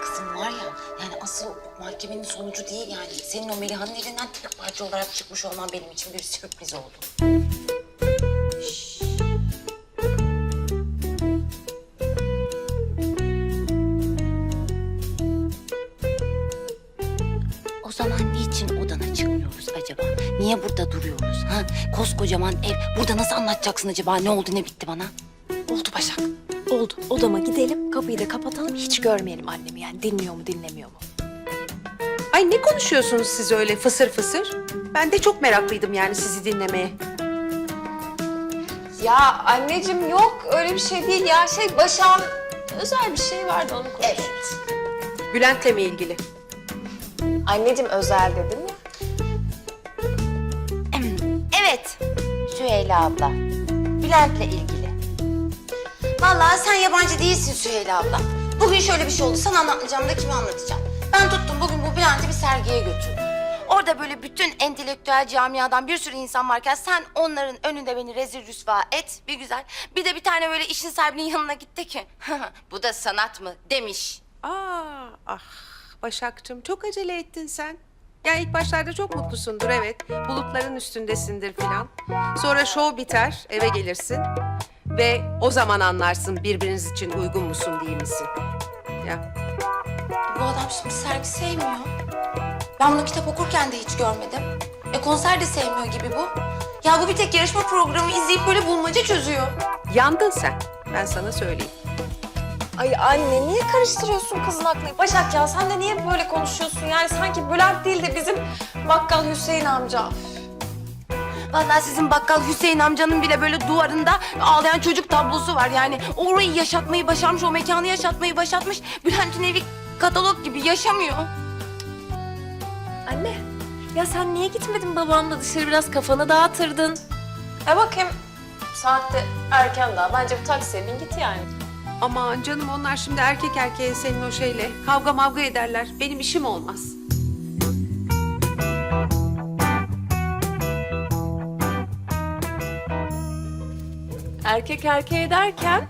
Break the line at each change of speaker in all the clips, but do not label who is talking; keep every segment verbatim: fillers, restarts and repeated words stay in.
Kızım var ya, yani asıl mahkemenin sonucu değil yani. Senin o Meliha'nın elinden tek parça olarak çıkmış olman benim için bir sürpriz oldu. Şşş. O zaman niçin odana çıkmıyoruz acaba? Niye burada duruyoruz? Ha? Koskocaman ev. Burada nasıl anlatacaksın acaba? Ne oldu, ne bitti bana?
Oldu Başak. Oldu. Odama gidelim, kapıyı da kapatalım. Hiç görmeyelim annemi yani. Dinliyor mu, dinlemiyor mu?
Ay ne konuşuyorsunuz siz öyle fısır fısır? Ben de çok meraklıydım yani sizi dinlemeye.
Ya anneciğim yok öyle bir şey değil ya. Şey Başak'ın özel bir şey vardı onu konuşuyoruz.
Evet.
Bülent'le mi ilgili?
Anneciğim özel dedim ya.
Evet, Süheyla abla. Bülent'le ilgili. Vallahi sen yabancı değilsin Süheyla abla. Bugün şöyle bir şey oldu. Sana anlatmayacağım da kime anlatacağım? Ben tuttum bugün bu Bülent'i bir sergiye götürdüm. Orada böyle bütün entelektüel camiadan bir sürü insan varken sen onların önünde beni rezil rüsva et bir güzel. Bir de bir tane böyle işin sahibinin yanına gitti ki. Bu da sanat mı demiş.
Aa, ah Başak'cığım çok acele ettin sen. Ya ilk başlarda çok mutlusundur evet. Bulutların üstündesindir filan. Sonra şov biter, eve gelirsin. Ve o zaman anlarsın birbiriniz için uygun musun değil misin? Ya
Bu adam şimdi sergi sevmiyor. Ben bunu kitap okurken de hiç görmedim. E konser de sevmiyor gibi bu. Ya bu bir tek yarışma programı izleyip böyle bulmaca çözüyor.
yandın sen. Ben sana söyleyeyim.
Ay anne niye karıştırıyorsun kızın aklını? Başak ya sen de niye böyle konuşuyorsun? Yani sanki Bülent değil de bizim bakkal Hüseyin amca.
Vallahi sizin bakkal Hüseyin amcanın bile böyle duvarında ağlayan çocuk tablosu var. Yani orayı yaşatmayı başarmış, o mekanı yaşatmayı başarmış. Bülent'in evi katalog gibi yaşamıyor.
Anne, ya sen niye gitmedin babamla dışarı biraz kafanı dağıtırdın?
E bakayım saatte erken daha. Bence bir taksiye bin git yani.
Aman canım onlar şimdi erkek erkeğe senin o şeyle kavga mavga ederler. Benim işim olmaz.
Erkek erkeğe derken?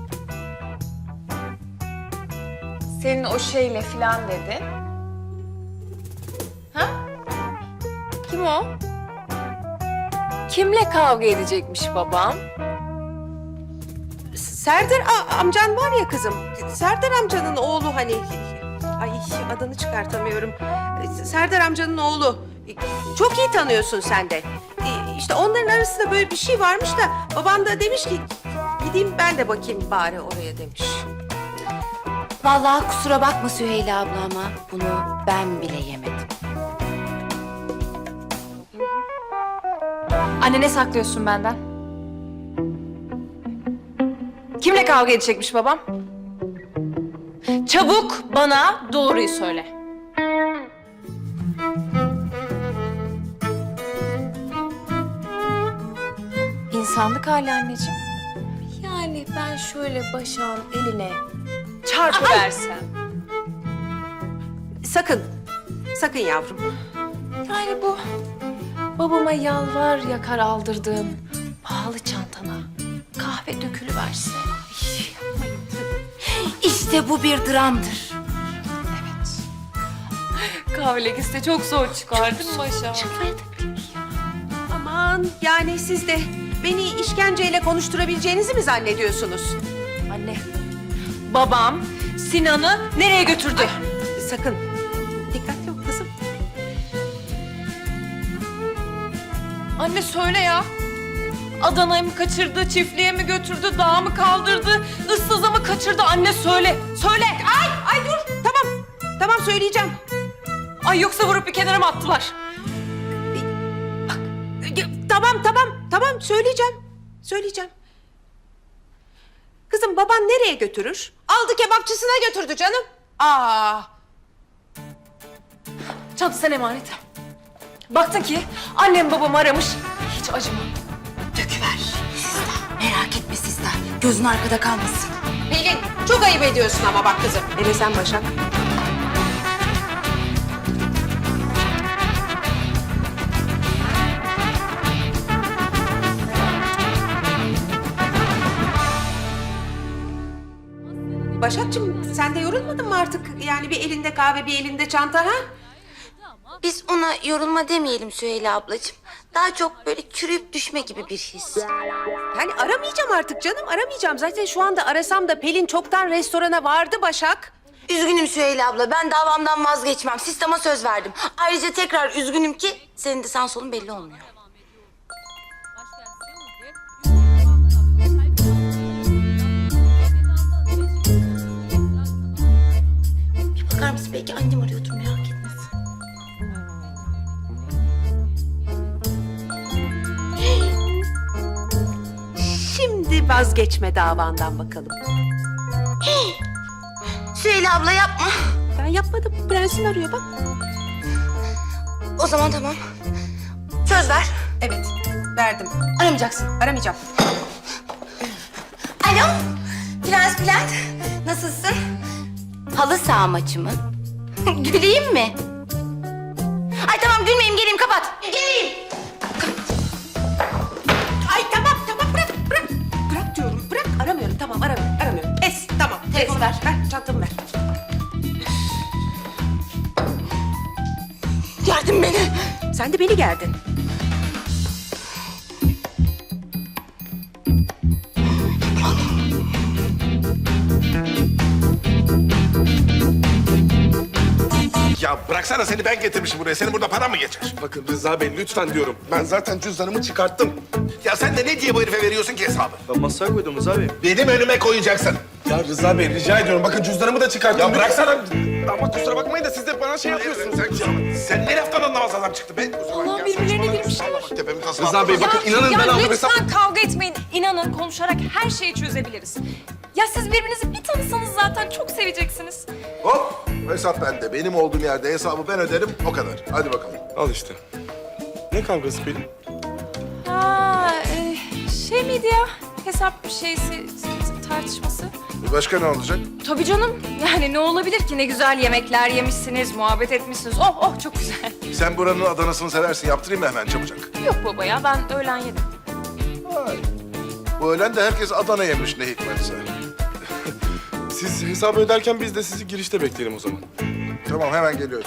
Senin o şeyle filan dedi. Ha? Kim o? Kimle kavga edecekmiş babam?
Serdar a- amcan var ya kızım. Serdar amcanın oğlu hani. Ay adını çıkartamıyorum. Serdar amcanın oğlu. Çok iyi tanıyorsun sen de. İşte onların arasında böyle bir şey varmış da baban da demiş ki gideyim ben de bakayım bari oraya demiş.
Vallahi kusura bakma Süheyla abla ama bunu ben bile yemedim.
Anne ne saklıyorsun benden? Kimle kavga edecekmiş babam? Çabuk bana doğruyu söyle. İnsanlık hali anneciğim.
Yani ben şöyle Başak'ın eline
Çarpıversem.
Sakın, sakın yavrum.
Yani bu babama yalvar yakar aldırdığım pahalı çantana kahve dökülüverse.
İşte bu bir dramdır.
Kahve lekesi de çok zor çıkardın Başak.
Aman yani siz de beni işkenceyle konuşturabileceğinizi mi zannediyorsunuz?
Anne, babam Sinan'ı nereye götürdü?
Sakın. Dikkatli ol kızım.
Anne söyle ya. Adana'yı mı kaçırdı, çiftliğe mi götürdü, dağa mı kaldırdı, ıssıza mı kaçırdı? Anne söyle, söyle.
Ay, ay dur. Tamam, tamam söyleyeceğim.
Ay yoksa vurup bir kenara mı attılar?
Ya, Tamam, tamam, tamam söyleyeceğim. Söyleyeceğim. Kızım baban nereye götürür? Aldı kebapçısına götürdü canım. Aa,
Çantasına emanet. Baktın ki annem babamı aramış, hiç acıma.
Döküver. Sizden. Merak etme sizden. Gözün arkada kalmasın.
Pelin çok ayıp ediyorsun ama bak kızım. Hele sen Başak. Başakçığım sen de yorulmadın mı artık? Yani bir elinde kahve bir elinde çanta ha?
Biz ona yorulma demeyelim Süheyla ablacığım. Daha çok böyle çürüyüp düşme gibi bir his.
Yani aramayacağım artık canım aramayacağım. Zaten şu anda arasam da Pelin çoktan restorana vardı Başak.
Üzgünüm Süheyla abla. Ben davamdan vazgeçmem. Sisteme söz verdim. Ayrıca tekrar üzgünüm ki senin de sağ solun belli olmuyor. Bir bakar mısın? Belki annem arıyordur, merak etmesin.
Şimdi vazgeçme davandan bakalım.
Süheyla abla yapma.
Ben yapmadım. Prensin arıyor bak.
O zaman tamam. Söz ver.
Evet verdim.
Aramayacaksın.
Aramayacağım.
Alo. Prens Bülent. Nasılsın? Halı saha maçı mı? Güleyim mi? Ay tamam gülmeyeyim, geleyim, kapat. Geleyim.
Ay tamam tamam bırak bırak. Bırak diyorum bırak. Aramıyorum tamam aramıyorum aramıyorum. Es tamam.
Telefonu
es.
ver.
Ver çantamı ver.
Gerdin beni.
Sen de beni gerdin.
Ya bıraksana, seni ben getirmişim buraya. Senin burada para mı geçer?
Bakın Rıza Bey lütfen diyorum. Ben zaten cüzdanımı çıkarttım.
Ya sen de ne diye bu herife veriyorsun ki hesabı?
Ben masaya koydum Rıza Bey.
Benim önüme koyacaksın.
Ya Rıza Bey rica ediyorum. Bakın cüzdanımı da çıkarttım.
Ya bıraksana.
Ama kusura bakmayın da siz de bana şey yapıyorsunuz.
Sen, sen ne laftan anlamaz adam çıktı be?
Allah birbirlerine girmişler.
Bak tepemin tasını
Rıza Bey
atma.
bakın inanın
ya
ben aldım
lütfen
hesap.
kavga etmeyin. İnanın konuşarak her şeyi çözebiliriz. Ya siz birbirinizi bir tanısanız zaten çok seveceksiniz.
Hop, hesap bende. Benim olduğum yerde hesabı ben öderim, o kadar. Hadi bakalım.
Al işte. Ne kavgası Pelin?
Ha, e, şey miydi ya? Hesap şeysi, tartışması.
Başka ne olacak?
Tabii canım. Yani ne olabilir ki? Ne güzel yemekler yemişsiniz, muhabbet etmişsiniz. Oh oh çok güzel.
Sen buranın Adana'sını seversin. Yaptırayım mı hemen çabucak?
Yok baba ya ben öğlen yedim.
Vay. Bu öğlen de herkes Adana yemiş ne hikmetse.
Siz hesabı öderken biz de sizi girişte bekleyelim o zaman.
Tamam, hemen geliyorum.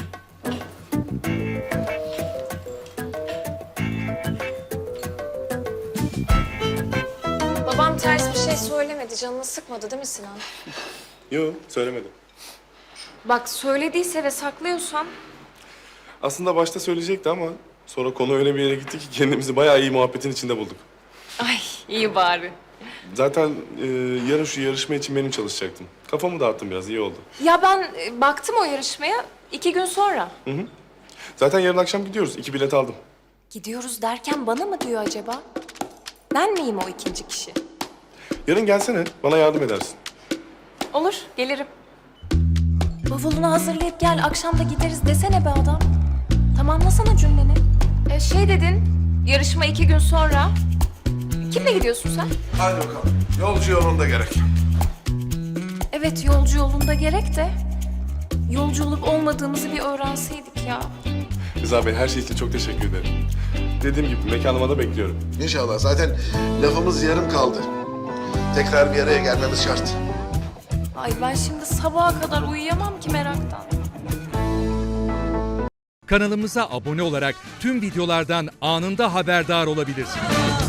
Babam ters bir şey söylemedi. Canını sıkmadı değil mi Sinan?
Yok söylemedim.
Bak söylediyse ve saklıyorsan...
Aslında başta söyleyecekti ama sonra konu öyle bir yere gitti ki kendimizi bayağı iyi muhabbetin içinde bulduk.
Ay iyi bari.
Zaten e, yarın şu yarışma için benim çalışacaktım. Kafamı dağıttım biraz, iyi oldu.
Ya ben e, baktım o yarışmaya iki gün sonra.
Hı hı. Zaten yarın akşam gidiyoruz. İki bilet aldım.
Gidiyoruz derken bana mı diyor acaba? Ben miyim o ikinci kişi?
Yarın gelsene, bana yardım edersin.
Olur, gelirim. Bavulunu hazırlayıp gel, akşam da gideriz desene be adam. Tamamlasana cümleni. E, şey dedin, yarışma iki gün sonra. Kimle gidiyorsun sen?
Hadi bakalım. Yolcu yolunda gerek.
Evet, yolcu yolunda gerek de... ...yolcu olup olmadığımızı bir öğrenseydik ya.
Rıza Bey her şey için çok teşekkür ederim. Dediğim gibi mekanıma da bekliyorum.
İnşallah. Zaten lafımız yarım kaldı. Tekrar bir araya gelmemiz şart.
Ay ben şimdi sabaha kadar uyuyamam ki meraktan.
Kanalımıza abone olarak tüm videolardan anında haberdar olabilirsiniz.